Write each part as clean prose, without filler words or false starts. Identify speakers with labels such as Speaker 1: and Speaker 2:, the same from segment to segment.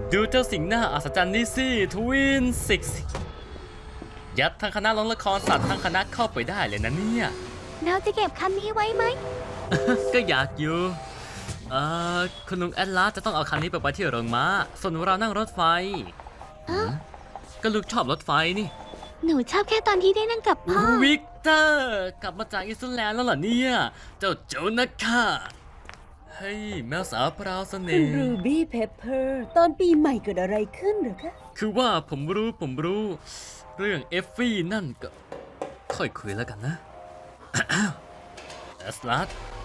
Speaker 1: ดูเจ้าสิ่งหน้าอัศจรรย์นี่สิทวินซิกยัดทั้งคณะลงละครสัตว์ทั้งคณะเข้าไปได้เลยนะเนี่ย
Speaker 2: เราจะเก็บคันนี้ไว้ไหม
Speaker 1: ก็อยากอยู่คุณลุงแอดลาสจะต้องเอาคันนี้ไปที่โรงม้าส่วนเรานั่งรถไฟ ก็ลูกชอบรถไฟนี่
Speaker 2: หนูชอบแค่ตอนที่ได้นั่งกับพ่อ
Speaker 1: วิกเตอร์กลับมาจากอิสราเอลแล้วเหรอเนี่ยเจ้าโจนาค่ะเฮ้ยแมวสาวพราวเส
Speaker 3: คุ
Speaker 1: น่
Speaker 3: ณ
Speaker 1: ห์
Speaker 3: รูบี้เพปเปอร์ตอนปีใหม่เกิดอะไรขึ้นเหรอคะ
Speaker 1: คือว่าผมรู้เรื่องเอฟฟี่นั่นก็ค่อยคุยแล้วกันนะ แอสลัด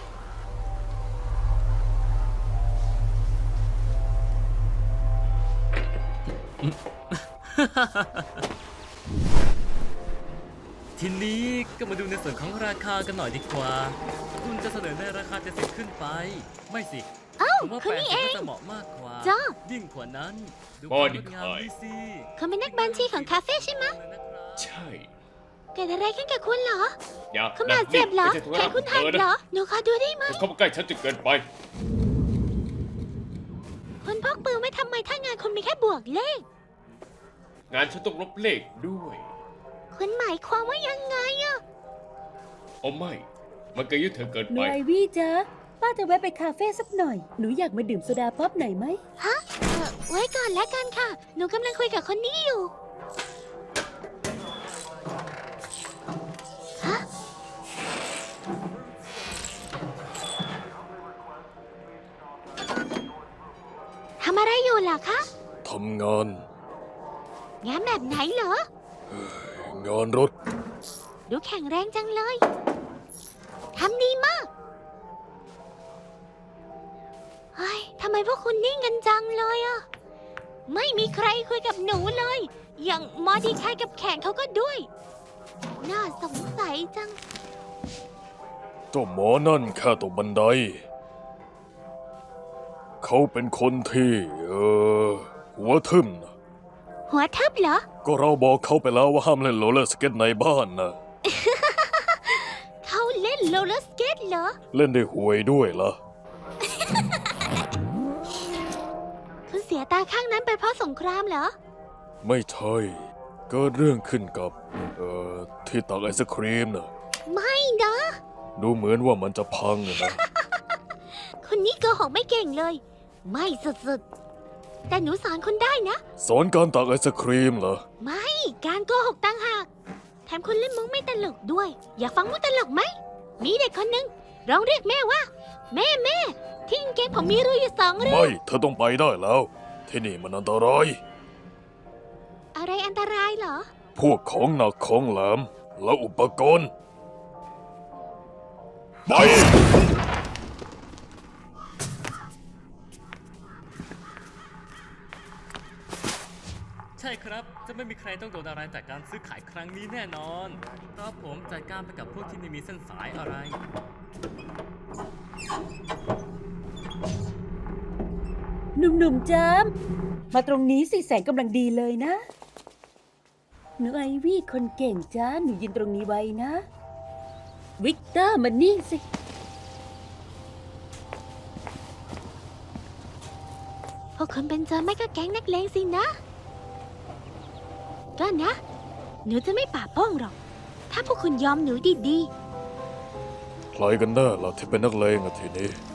Speaker 1: ทีนี้ก็มาดูในส่วนของราคากันหน่อยดีกว่า คุณจะเสนอในราคา70ขึ้นไป ไม่สิ
Speaker 2: อ้าว
Speaker 1: ผมว่า
Speaker 2: คุณ
Speaker 1: 80
Speaker 2: นี่เอง
Speaker 1: ก็จะเหมาะมากกว่า
Speaker 2: จ้า
Speaker 1: ยิ่งกว่านั้นดู
Speaker 4: บอ
Speaker 1: ความ
Speaker 4: ดี้
Speaker 1: งดงาม
Speaker 4: คาย
Speaker 1: นี่สิ
Speaker 2: คุณเป็นนักบัญชีของคาเฟ่ใช่ไหม
Speaker 4: ใช่
Speaker 2: เกิดอะไรขึ้นกับคุณเหรอ
Speaker 4: อย่า
Speaker 2: คุณบาดเจ็บเหรอ
Speaker 4: ไม่ใช่ธุ
Speaker 2: แข
Speaker 4: ระ
Speaker 2: นคุณหักเหรอ หนูขอดูได้ไหม
Speaker 4: เข้ามาใกล้ฉันจนเกินไป
Speaker 2: คุณพกปืนไว้ทำไมถ้างานคุณมีแค่บวกเลข
Speaker 4: งานฉันต้องลบเลขด้วย
Speaker 2: คุณหมายความว่ายังไงอะ
Speaker 4: โอ้ไม่ มันเกินยุทธเธอเกิน
Speaker 3: หนู
Speaker 4: ไป
Speaker 3: ไอวี่จ๊ะป้าจะแวะไปคาเฟ่สักหน่อย หนูอยากมาดื่มโซดาป๊อปหน่อยไหม
Speaker 2: ฮะไว้ก่อนแล้วกันค่ะ หนูกำลังคุยกับคนนี้อยู่ ฮะ ทำอะไรอยู่ล่ะคะ
Speaker 5: ทำงาน
Speaker 2: งานแบบไหนเหรอ
Speaker 5: งานรถ
Speaker 2: ดูแข็งแรงจังเลย ทำดีมาก เฮ้ย ทำไมพวกคุณนิ่งกันจังเลยอะไม่มีใครคุยกับหนูเลย อย่างมอดีคายกับแข่งเขาก็ด้วย น่าสงสัยจัง
Speaker 5: เจ้าหมอนั่นแค่ตกบันได เขาเป็นคนที่ หัวทึ่มนะ
Speaker 2: หัวทับเหรอ
Speaker 5: ก็เราบอกเขาไปแล้วว่าห้ามเล่นโรลเลอร์สเก็ตในบ้านนะ
Speaker 2: เขาเล่นโรลเลอร์สเกตเหรอ
Speaker 5: เล่นได้ห่วยด้วยล่ะ
Speaker 2: คุณเสียตาข้างนั้นไปเพราะสงครามเหรอ
Speaker 5: ไม่ใช่ เกิดเรื่องขึ้นกับ ที่ตักไอศครีมนะ
Speaker 2: ไม่นะ
Speaker 5: ดูเหมือนว่ามันจะพังอะนะ
Speaker 2: คุณนี่โกหกไม่เก่งเลย ไม่สุดๆ แต่หนูสอนคุณได้นะ
Speaker 5: สอนการตักไอศครีมเหรอ
Speaker 2: ไม่การโกหกต่างหาก แถมคุณเล่นมุกไม่ตลกด้วย อยากฟังมุกตลกไหม มีเด็กคนหนึ่งร้องเรียกแม่ว่า แม่แม่ที่กางเกงผมมีรูอยู่2 รู
Speaker 5: ไม่ เธอต้องไปได้แล้ว ที่นี่มันอันตราย
Speaker 2: อะไรอันตรายเหรอ
Speaker 5: พวกของหนักของแหลมและอุปกรณ์ไป
Speaker 1: ใช่ครับ จะไม่มีใครต้องโดนอะไรจากการซื้อขายครั้งนี้แน่นอนเพราะผมจัดการไปกับพวกที่ไม่มีเส้นสายอะไร
Speaker 3: หนุ่มๆจ้ามมาตรงนี้สิแสงกำลังดีเลยนะ หนูไอวี่คนเก่งจ้าหนูยืนตรงนี้ไว้นะ วิกเตอร์มานี่สิ
Speaker 2: พวกคุณเป็นโจรไม่ก็แก๊งนักเลงสินะ ก็นะ หนูจะไม่ป่าโป้งหรอก ถ้าพวกคุณยอมหนูดี
Speaker 5: ใครกันแน่ล่ะที่เป็นนักเลงอะทีนี้